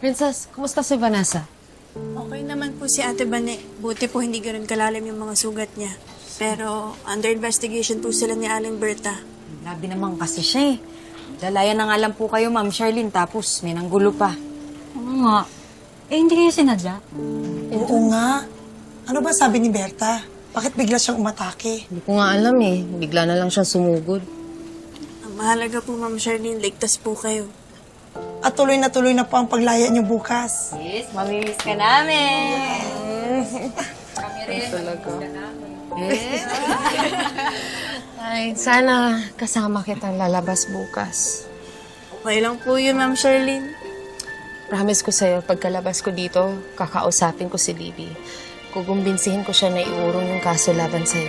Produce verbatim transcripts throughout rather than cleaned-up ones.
Princess, kumusta si Vanessa? Okay naman po si Ate Bane. Buti po hindi ganun kalalim yung mga sugat niya. Pero under investigation po sila ni Aling Berta. Labi naman kasi siya eh. Lalayan na nga lang po kayo, Ma'am Charlene, tapos may nanggulo pa. Oo nga. Eh, hindi kayo sinadya? Oo nga. Ano ba sabi ni Berta? Bakit bigla siyang umatake? Hindi ko nga alam eh. Bigla na lang siyang sumugod. Ang mahalaga po, Ma'am Charlene, ligtas po kayo. At tuloy na tuloy na po ang paglaya niyo bukas. Yes, mamimiss ka namin. Kami rin. Talaga. Yes. Ay, sana kasama kitang lalabas bukas. Okay lang po yun, Ma'am Charlene. Promise ko sa'yo, pagkalabas ko dito, kakausapin ko si Libby. Kukumbinsihin ko siya na iurong yung kaso laban sa'yo.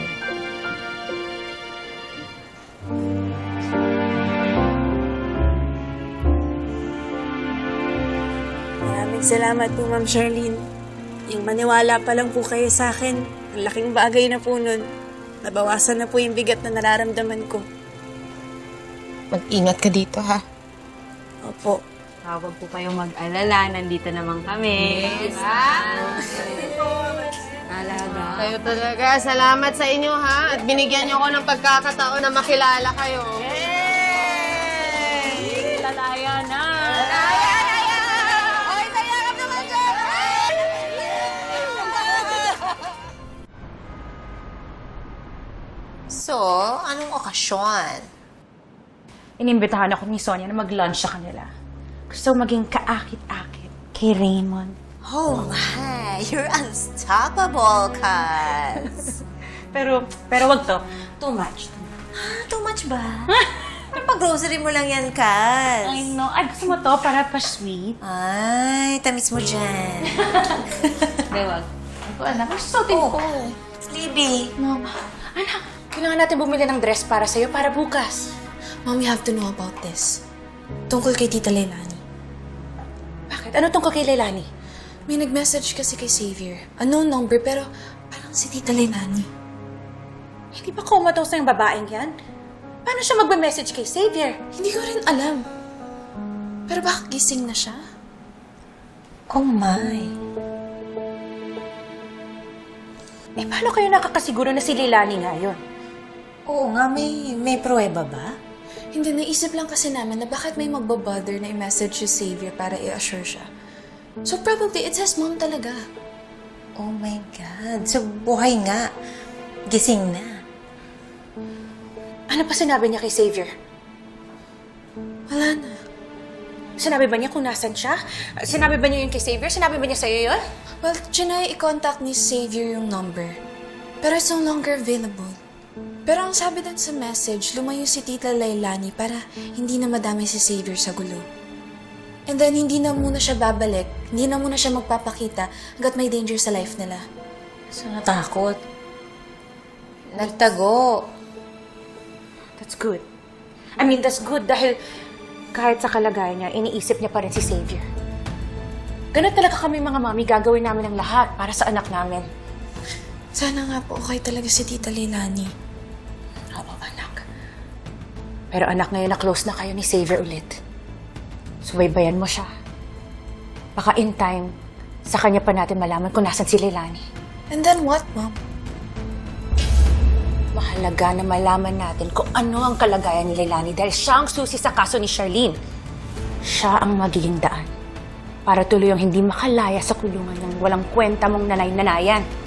Maraming salamat po, Ma'am Charlene. Yung maniwala pa lang po kayo sa akin, ang laking bagay na po nun. Nabawasan na po yung bigat na nararamdaman ko. Mag-ingat ka dito, ha? Opo. Huwag po kayong mag-alala. Nandito naman kami. Yes. Alaga. Kayo talaga. Salamat sa inyo, ha? At binigyan niyo ko ng pagkakataon na makilala kayo. Yay! Lalaya na! So, anong okasyon? Inimbitahan ako ni Sonia na mag-lunch sa kanila. Gusto maging kaakit-akit kay Raymond. Oh my, you're unstoppable, Kaz. Pero, pero wag to. Too much. Ah, too much ba? Pag-grocery mo lang yan, Kaz. I know. Ay, gusto mo to para pa-sweet? Ay, tamis mo dyan. Hindi, wag. Hindi ko alam. Ang susutin Oh. ko. Libby. No. Anak, kailangan natin bumili ng dress para sa'yo para bukas. Mom, you have to know about this. Tungkol kay Tita Leilani. Bakit? Ano tungkol kay Leilani? May nag-message kasi kay Xavier. Unknown number, pero parang si Tita Leilani. Hindi ba comatose na yung babaeng yan? Paano siya magbe-message kay Xavier? Hindi ko rin alam. Pero bakit gising na siya? Oh my. Eh, paano kayo nakakasiguro na si Leilani nga yun? Oo nga, may, may pruweba ba? Hindi, naisip lang kasi namin na bakit may magbabother na i-message si Xavier para i-assure siya. So probably, it's his mom talaga. Oh my God. So, buhay nga. Gising na. Ano pa sinabi niya kay Xavier? Wala na. Sinabi ba niya kung nasan siya? Sinabi ba niya yun kay Xavier? Sinabi ba niya sa'yo yun? Well, trinay i-contact ni Xavier yung number. Pero it's no longer available. Pero ang sabi dun sa message, lumayo si Tita Leilani para hindi na madami si Xavier sa gulo. And then, hindi na muna siya babalik. Hindi na muna siya magpapakita hanggat may danger sa life nila. So, natakot. Nagtago. That's good. I mean, that's good dahil kahit sa kalagayan niya, iniisip niya pa rin si Xavier. Ganun talaga kami mga mami, gagawin namin ang lahat para sa anak namin. Sana nga po okay talaga si Tita Leilani. Oo, anak. Pero anak, ngayon na close na kayo ni Xavier ulit. Subaybayan mo siya. Baka in time, sa kanya pa natin malaman kung nasan si Leilani. And then what, Mom? Mahalaga na malaman natin kung ano ang kalagayan ni Leilani dahil siya ang susi sa kaso ni Charlene. Siya ang magiging daan para tuloy ang hindi makalaya sa kulungan ng walang kwenta mong nanay-nanayan.